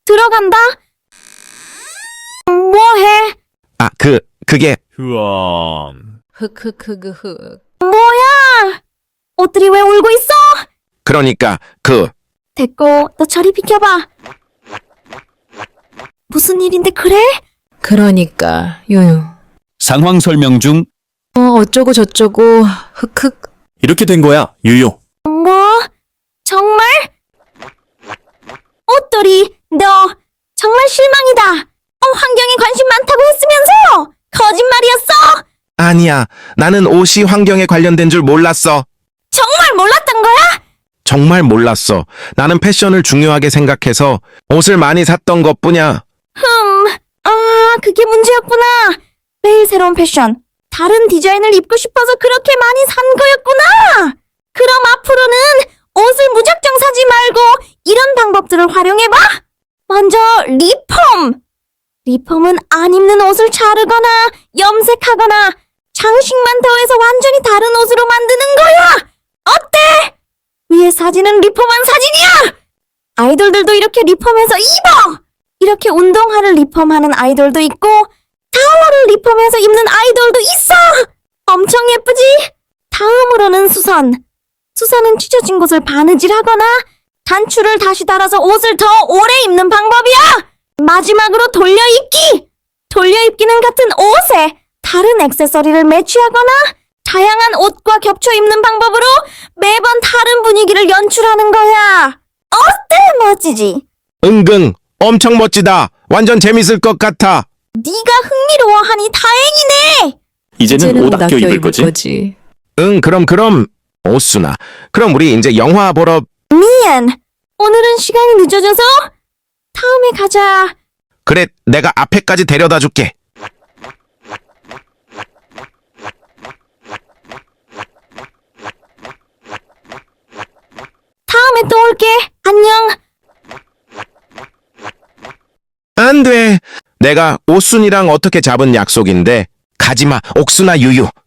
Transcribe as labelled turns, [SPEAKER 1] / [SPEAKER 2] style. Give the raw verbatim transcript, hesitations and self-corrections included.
[SPEAKER 1] 들어간다. 뭐해?
[SPEAKER 2] 아, 그, 그게,
[SPEAKER 3] 흐엄.
[SPEAKER 4] 흑흑흑흑.
[SPEAKER 1] 뭐야? 옷들이 왜 울고 있어?
[SPEAKER 2] 그러니까, 그,
[SPEAKER 1] 됐고, 너 저리 비켜봐. 무슨 일인데 그래?
[SPEAKER 4] 그러니까 유유.
[SPEAKER 3] 상황 설명 중
[SPEAKER 4] 어 어쩌고 저쩌고 흑흑.
[SPEAKER 3] 이렇게 된 거야, 유유.
[SPEAKER 1] 뭐? 정말? 옷돌이, 너 정말 실망이다. 어, 환경에 관심 많다고 했으면서 거짓말이었어?
[SPEAKER 2] 아니야. 나는 옷이 환경에 관련된 줄 몰랐어.
[SPEAKER 1] 정말 몰랐던 거야?
[SPEAKER 2] 정말 몰랐어. 나는 패션을 중요하게 생각해서 옷을 많이 샀던 것뿐이야.
[SPEAKER 1] 흠, 아, 그게 문제였구나. 매일 새로운 패션, 다른 디자인을 입고 싶어서 그렇게 많이 산 거였구나. 그럼 앞으로는 옷을 무작정 사지 말고 이런 방법들을 활용해봐. 먼저 리폼. 리폼은 안 입는 옷을 자르거나 염색하거나 장식만 더해서 완전히 다른 옷으로 만드는 거야. 어때? 위에 사진은 리폼한 사진이야. 아이돌들도 이렇게 리폼해서 입어. 이렇게 운동화를 리폼하는 아이돌도 있고 타워를 리폼해서 입는 아이돌도 있어. 엄청 예쁘지? 다음으로는 수선. 수선은 찢어진 곳을 바느질하거나 단추를 다시 달아서 옷을 더 오래 입는 방법이야. 마지막으로 돌려입기. 돌려입기는 같은 옷에 다른 액세서리를 매치하거나 다양한 옷과 겹쳐 입는 방법으로 매번 다른 분위기를 연출하는 거야. 어때? 멋지지?
[SPEAKER 2] 은근, 엄청 멋지다. 완전 재밌을 것 같아.
[SPEAKER 1] 네가 흥미로워하니 다행이네.
[SPEAKER 3] 이제는 옷 아껴 입을 거지?
[SPEAKER 4] 거지.
[SPEAKER 2] 응, 그럼, 그럼. 오순아. 그럼 우리 이제 영화 보러,
[SPEAKER 1] 미안. 오늘은 시간이 늦어져서 다음에 가자.
[SPEAKER 2] 그래, 내가 앞에까지 데려다 줄게.
[SPEAKER 1] 다음에 또 올게. 안녕.
[SPEAKER 2] 안 돼. 내가 오순이랑 어떻게 잡은 약속인데. 가지마, 옥순아 유유.